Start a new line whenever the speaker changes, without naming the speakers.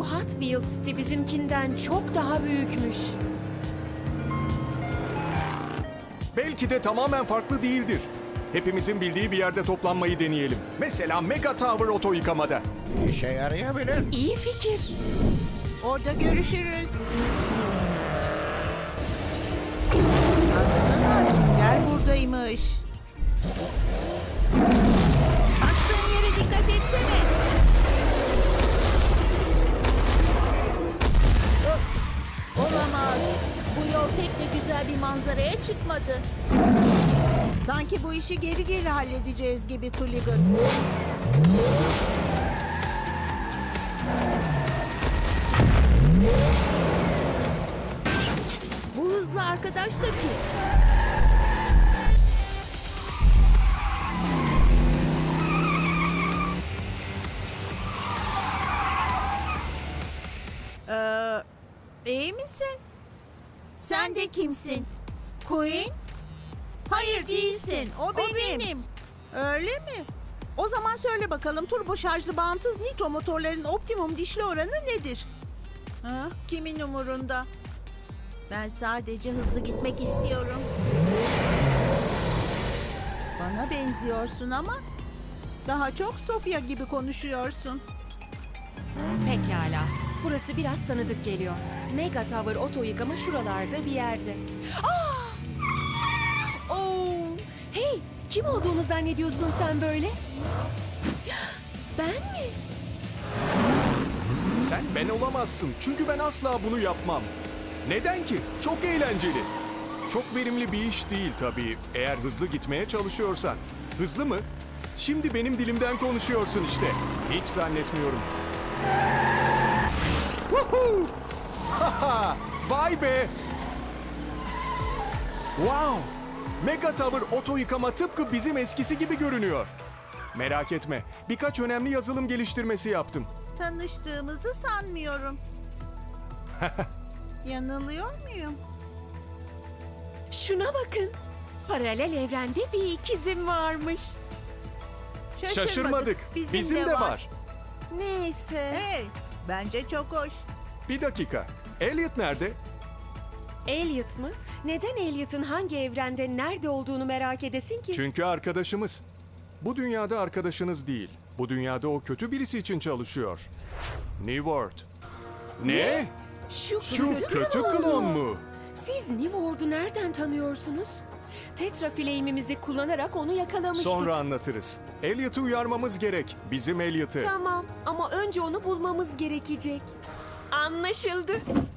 Bu Hot Wheels seti bizimkinden çok daha büyükmüş.
Belki de tamamen farklı değildir. Hepimizin bildiği bir yerde toplanmayı deneyelim. Mesela Mega Tower oto yıkamada.
İşe yarayabilir.
İyi fikir.
Orada görüşürüz. Baksana kimler buradaymış. Bastığın yere dikkat etsene. Olamaz. Bu yol pek de güzel bir manzaraya çıkmadı. Sanki bu işi geri geri halledeceğiz gibi Tulligan. Bu hızlı arkadaş da kim? İyi misin? Sen de kimsin? Queen? Hayır değilsin. O benim. Öyle mi? O zaman söyle bakalım turbo şarjlı bağımsız nitro motorların optimum dişli oranı nedir? Ha, kimin umurunda? Ben sadece hızlı gitmek istiyorum. Bana benziyorsun ama daha çok Sofia gibi konuşuyorsun.
Pekala. Burası biraz tanıdık geliyor. Mega Tower oto yıkama şuralarda bir yerde. Aa! Oo! Hey! Kim olduğunu zannediyorsun sen böyle? Ben mi?
Sen ben olamazsın. Çünkü ben asla bunu yapmam. Neden ki? Çok eğlenceli. Çok verimli bir iş değil tabii. Eğer hızlı gitmeye çalışıyorsan. Hızlı mı? Şimdi benim dilimden konuşuyorsun işte. Hiç zannetmiyorum. Woohoo! Haha! Vay be! Wow! Mega Tower oto yıkama tıpkı bizim eskisi gibi görünüyor. Merak etme. Birkaç önemli yazılım geliştirmesi yaptım.
Tanıştığımızı sanmıyorum. Yanılıyor muyum?
Şuna bakın. Paralel evrende bir ikizim varmış.
Şaşırmadık. Bizim de var.
Neyse.
Hey, bence çok hoş.
Bir dakika. Elliot nerede?
Elliot mı? Neden Elliot'ın hangi evrende nerede olduğunu merak edesin ki?
Çünkü arkadaşımız. Bu dünyada arkadaşınız değil. Bu dünyada o kötü birisi için çalışıyor. New World. Ne? Şu kötü klon mu?
Siz New World'u nereden tanıyorsunuz? Tetraflame'imizi kullanarak onu yakalamıştık.
Sonra anlatırız. Elliot'ı uyarmamız gerek. Bizim Elliot'ı.
Tamam ama önce onu bulmamız gerekecek. Anlaşıldı.